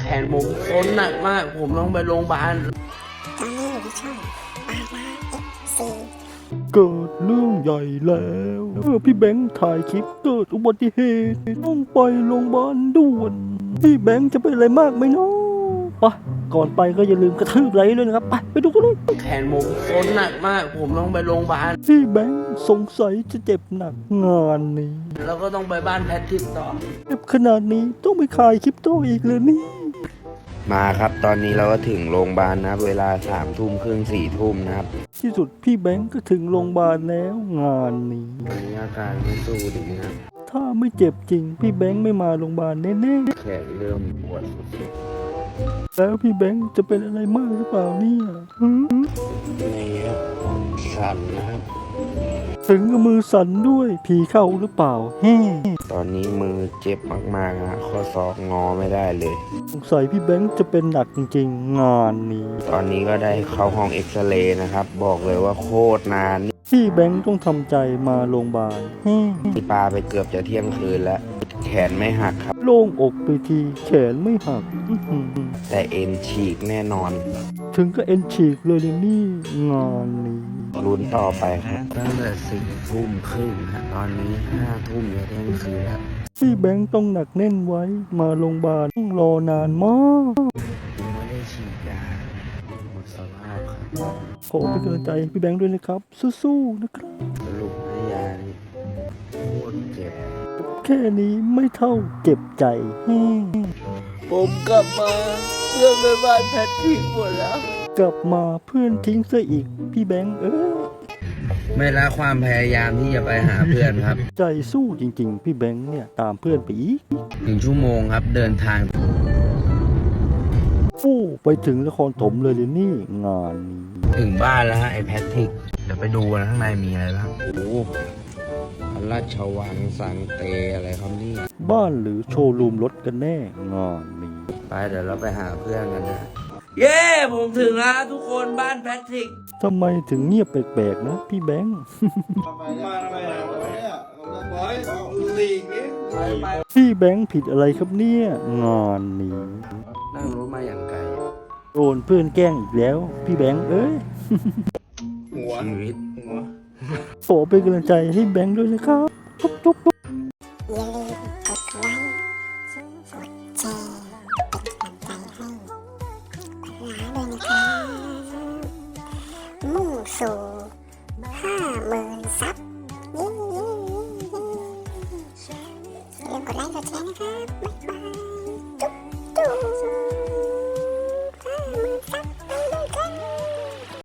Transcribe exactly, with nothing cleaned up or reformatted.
นผมค้นหนักมากผมต้องไปโรงพยาบาลตอนนี้อยู่ที่ช่องปาราเอฟซีเกิดเรื่องใหญ่แล้วเมื่อพี่แบงค์ถ่ายคลิปเกิดอุบัติเหตุต้องไปโรงพยาบาลด่วนพี่แบงค์จะเป็นอะไรมากไหมเนาะไปก่อนไปก็อย่าลืมกระทืบไลค์ด้วยนะครับไปไปดูกันเลยแขนผมค้นหนักมากผมต้องไปโรงพยาบาลพี่แบงค์สงสัยจะเจ็บหนักงานนี้แล้วก็ต้องไปบ้านแพทริกต่อเจ็บขนาดนี้ต้องไปขายคลิปโตอีกเลยนี่มาครับตอนนี้เราก็ถึงโรงพยาบาลนะครับเวลาสามทุ่มครึ่งสี่ทุ่มนะครับที่สุดพี่แบงค์ก็ถึงโรงพยาบาลแล้วงานนี้ตอนนี้อาการไม่สู้ดีนะถ้าไม่เจ็บจริงพี่แบงค์ไม่มาโรงพยาบาลแน่ๆแขนเริ่มปวดสุดๆแล้วพี่แบงค์จะเป็นอะไรมากหรือเปล่าเนี่ยนี่ครับสั่นนะครับถึงกับมือสั่นด้วยผีเข้าหรือเปล่าแฮ่ตอนนี้มือเจ็บมากๆนะข้อศอกงอไม่ได้เลยสงสัยพี่แบงค์จะเป็นหนักจริงๆงานนี้ตอนนี้ก็ได้เข้าห้องเอ็กซเรย์นะครับบอกเลยว่าโคตรนานพี่แบงค์ต้องทำใจมาโรงพยาบาลที่ปาไปเกือบจะเที่ยงคืนแล้วแขนไม่หักครับโล่งอกไปทีแขนไม่หักแต่เอ็นฉีกแน่นอนถึงก็เอ็นฉีกเลยนี่งานนี้ลุ้นต่อไปครับตั้งแต่สี่ทุ่มครึ่งนะตอนนี้ห้าทุ่มจะเที่ยงคืนแล้วพี่แบงค์ต้องหนักแน่นไว้มาโรงพยาบาลต้องรอนานมากไม่ได้ฉีดยาหมดสภาพครับขอเป็นกำลังใจพี่แบงค์ด้วยนะครับสู้ๆนะครับสรุปให้ยานี่โคตรเจ็บแค่นี้ไม่เท่าเจ็บใจผมกลับมาเพื่อนไปบ้านแพทริกหมดแล้วกลับมาเพื่อนทิ้งซะอีกพี่แบงค์เอ้ยไม่ละความพยายามที่จะไปหาเพื่อนครับใจสู้จริงๆพี่แบงค์เนี่ยตามเพื่อนไปอีกหนึ่งชั่วโมงครับเดินทางฟู่ไปถึงนครถมเลยเลยนี่งานนี้ถึงบ้านแล้วฮะไอ้แพทริกเดี๋ยวไปดูกันข้างในมีอะไรบ้างโอ้พระราชวังสังเตอะไรครับนี่บ้านหรือโชว์รูมรถกันแน่งานนี้ไปเดี๋ยวเราไปหาเพื่อนกันนะเย้ผมถึงแล้วทุกคนบ้านแพทริกทำไมถึงเงียบแปลกๆนะพี่แบงค์พี่แบงค์ผิดอะไรครับเนี่ยงานนี้นั่งรถมาอย่างไกลโดนเพื่อนแกล้งอีกแล้วพี่แบงค์เอ้ยหัวชีวิตหัวขอเป็นกำลังใจให้แบงค์ด้วยนะครับจุ๊บจุ๊บอย่าลืมกดไลค์กดแชร์เป็นกำลังใจให้ปาราด้วยนะครับมุ่งสู่ห้าหมื่นซับเย้ๆๆอย่าลืมกดไลค์กดแชร์นะครับบ๊ายบาย